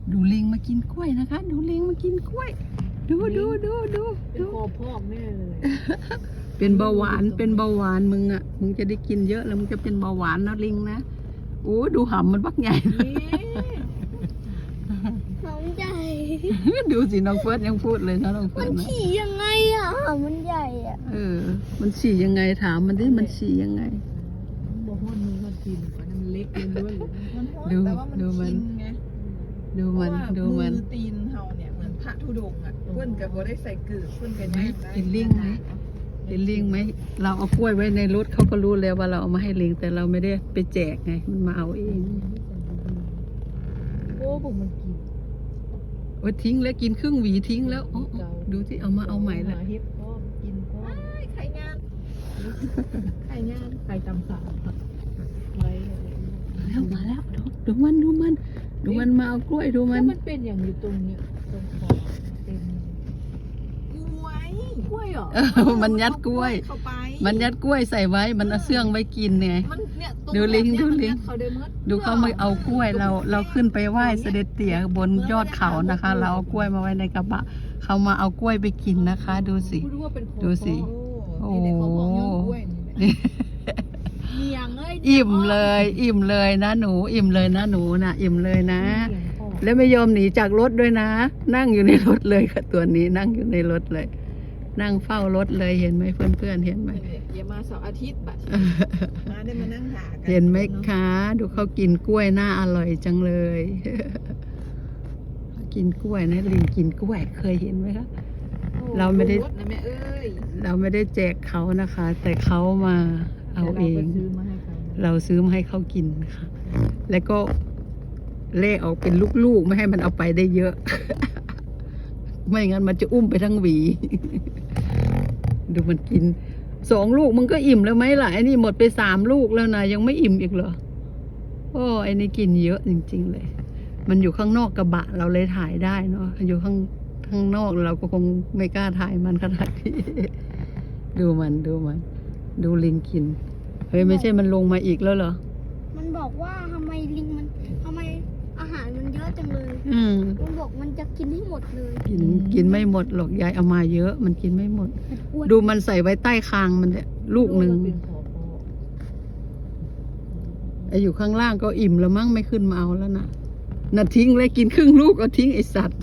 ดูลิงมากินกล้วยนะคะดูลิงมากินกล้วยดูเป็นคอพอกแน่เลยเป็นเบาหวานมึงอ่ะมึงจะได้กินเยอะแล้วมึงจะเป็นเบาหวานนะลิงนะโอ้ดูหำมันบักใหญ่หอมใหญ่ดูสิน้องเฟิร์สยังพูดเลยนะน้องเฟิมัร์นสนะฉี่ยังไงอ่ะมันใหญ่อ่ะมันฉี่ยังไงถามมันดิมันฉี่ยังไงบ่ฮ้อนมือมันกินก่อนมันเล็กเลยด้วยดูมันดูมันดูมันมือตีนเฮาเนี่ยเหมือนพระธุดงค์อ่ะเพื่อนกับบ่ได้ใส่เกลือเพื่อนกันย่างได้กินลิงไหมกินลิงไหมเราเอากล้วยไว้ในรถเขาก็รู้แล้วว่าเราเอามาให้ลิงแต่เราไม่ได้ไปแจกไงมันมาเอาเองโอ้ผมมันกินโอ้ทิ้งแล้วกินครึ่งหวีทิ้งแล้วอ๋อดูที่เอามาเอาใหม่ละเฮ็ดก็กินก็ไข่งานไข่งานไข่ตำสาไว้มาแล้วดูมันมาเอากล้วยดูมันมันเป็นอย่างอยู่ตรงเนี้ยตรงคอเต็มกล้วยเหรอมันยัดกล้วยเข้าไปมันยัดกล้วยใส่ไว้มันเอาเสื่องไว้กินไงมันเนี่ยตรงดูลิงแบบเนี้ยดูลิงมันยัเขาได้หมดดูเขามาเอากล้วยเราขึ้นไปไหว้เสด็จเตี่ยบนยอดเขานะคะ เราเอากล้วยมาไว้ในกระบะเขามาเอากล้วยไปกินนะคะ ดูสิรู้ว่าเป็นคอดูสิโอ้นี่แหละเขาบอกย้อนกล้วยนี่แหละเมียงเอ้ยอิ่มเลยนะหนูอิ่มเลยนะหนูนะอิ่มเลยนะ แล้วไม่ยอมหนีจากรถด้วยนะ นั่งอยู่ในรถเลยค่ะตัวนี้นั่งอยู่ในรถเลย นั่งเฝ้ารถเลยเห็นไหมเพื่อนๆเห็นไหมอย่ามาเสาร์อาทิตย์บัดมาได้มานั่งหากัเห็นไหมคะ ดูเขากินกล้วยน่าอร่อยจังเลย กินกล้วยนะลิงกินกล้วยเคยเห็นไหมคะ เราไม่ได้รถนะแม่เอ้ยเราไม่ได้แจกเขานะคะ แต่เขามาเอาเอง เราซื้อมาให้เขากินค่ะ แล้วก็เล่ออกเป็นลูกๆไม่ให้มันเอาไปได้เยอะ ไม่งั้นมันจะอุ้มไปทั้งหวี ดูมันกิน2 ลูกมันก็อิ่มแล้วไหมล่ะไอ้นี่หมดไป3 ลูกแล้วนะยังไม่อิ่มอีกเหรอโอ้ไอ้นี่กินเยอะจริงๆเลย มันอยู่ข้างนอกกระบะเราเลยถ่ายได้เนาะอยู่ข้างนอกเราก็คงไม่กล้าถ่ายมันขนาดนี้ ดูดูลิงกินเฮ้ยไม่ใช่มันลงมาอีกแล้วเหรอมันบอกว่าทำไมอาหารมันเยอะจังเลย มันบอกมันจะกินให้หมดเลยกินไม่หมดหรอกยายเอามาเยอะมันกินไม่หมดอ้วนดูมันใส่ไว้ใต้คางมันเนี่ยลูกหนึ่งไออยู่ข้างล่างก็อิ่มแล้วมั้งไม่ขึ้นมาเอาแล้วนะน่ะทิ้งเลยกินครึ่งลูกเอาทิ้งไอสัตว์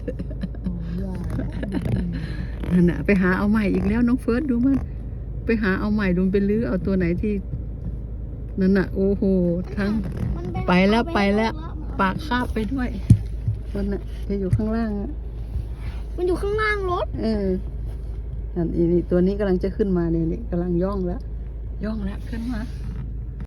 นั่นน่ะไปหาเอาใหม่อีกแล้วน้องเฟิร์สดูมันไปหาเอาใหม่ดูไปลื้อเอาตัวไหนที่นั่นน่ะโอ้โหทั้งมันไปแล้วปากคาบไปด้วยมันน่ะจะอยู่ข้างล่างอ่ะมันอยู่ข้างล่างรถนั่นอีนี่ตัวนี้กำลังจะขึ้นมาเนี่ยกำลังย่องแล้วขึ้นมา